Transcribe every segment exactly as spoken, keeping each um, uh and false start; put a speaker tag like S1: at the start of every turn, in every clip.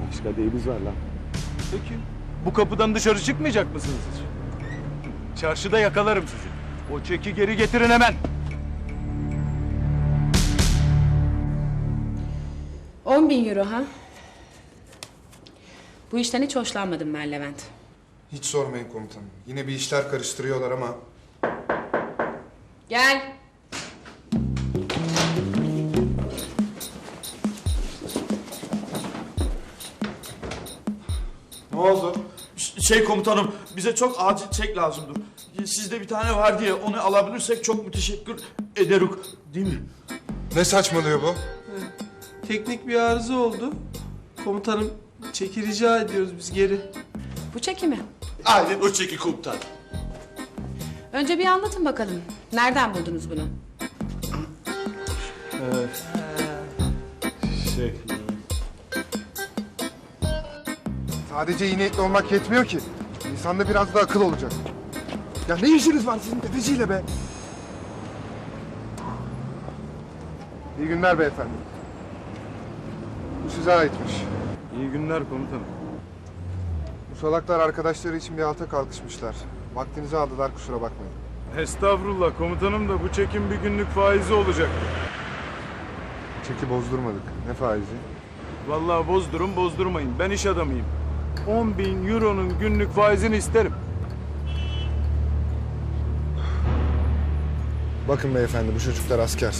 S1: Beş kadehimiz var lan.
S2: Peki, bu kapıdan dışarı çıkmayacak mısınız hiç? Çarşıda yakalarım sizi. O çeki geri getirin hemen.
S3: On bin euro ha? Bu işten hiç hoşlanmadım ben Levent.
S4: Hiç sormayın komutanım. Yine bir işler karıştırıyorlar ama...
S3: Gel.
S4: Ne oldu?
S5: Şey komutanım, bize çok acil çek lazımdır. Sizde bir tane var diye onu alabilirsek çok müteşekkir ederiz. Değil mi?
S4: Ne saçmalıyor bu?
S6: Teknik bir arıza oldu. Komutanım çeki rica ediyoruz biz geri.
S3: Bu çeki mi?
S5: Aynen o çeki komutan.
S3: Önce bir anlatın bakalım. Nereden buldunuz bunu?
S2: Şey...
S4: Sadece iyi niyetli olmak yetmiyor ki. İnsanda biraz da akıl olacak. Ya ne işiniz var sizin tefeciyle be? İyi günler beyefendi. Bu size aitmiş.
S2: İyi günler komutanım.
S4: Bu salaklar arkadaşları için bir alta kalkışmışlar. Vaktinizi aldılar, kusura bakmayın.
S2: Estağfurullah komutanım da bu çekin bir günlük faizi olacak.
S4: Çeki bozdurmadık. Ne faizi?
S2: Vallahi bozdurun bozdurmayın. Ben iş adamıyım. On bin euronun günlük faizini isterim.
S4: Bakın beyefendi, bu çocuklar asker.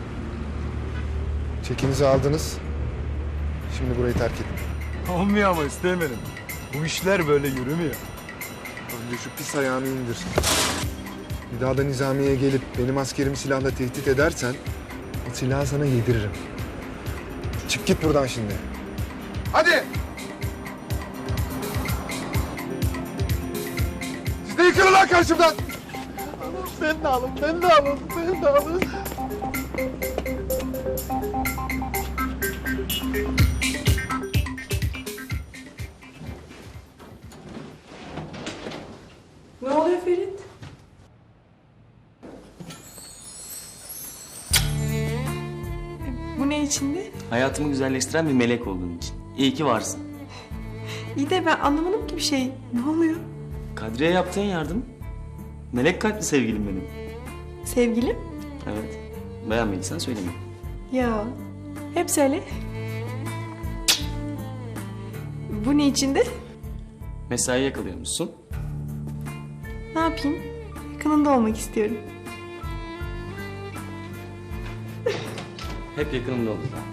S4: Çekinizi aldınız. Şimdi burayı terk edin.
S2: Olmuyor ama istemedim. Bu işler böyle yürümüyor.
S4: Önce şu pis ayağını indir. Bir daha da nizamiye gelip benim askerimi silahla tehdit edersen... ...o silahı sana yediririm. Çık git buradan şimdi. Hadi! Siz de yıkılın lan karşımdan!
S6: Ben de alın, ben de alın, ben de alın.
S7: Ne oluyor Ferit?
S8: Bu ne içindi?
S9: Hayatımı güzelleştiren bir melek olduğun için. İyi ki varsın.
S8: İyi de ben anlamadım ki bir şey. Ne oluyor?
S9: Kadriye yaptığın yardım. Melek kalpli sevgilim benim.
S8: Sevgilim?
S9: Evet. Beğenmediysen söyleme.
S8: Ya. Hep söyle. Bu ne içindi?
S9: Mesai yakalıyormuşsun.
S8: Ne yapayım? Yakınında olmak istiyorum.
S9: Hep yakınımda olacağım.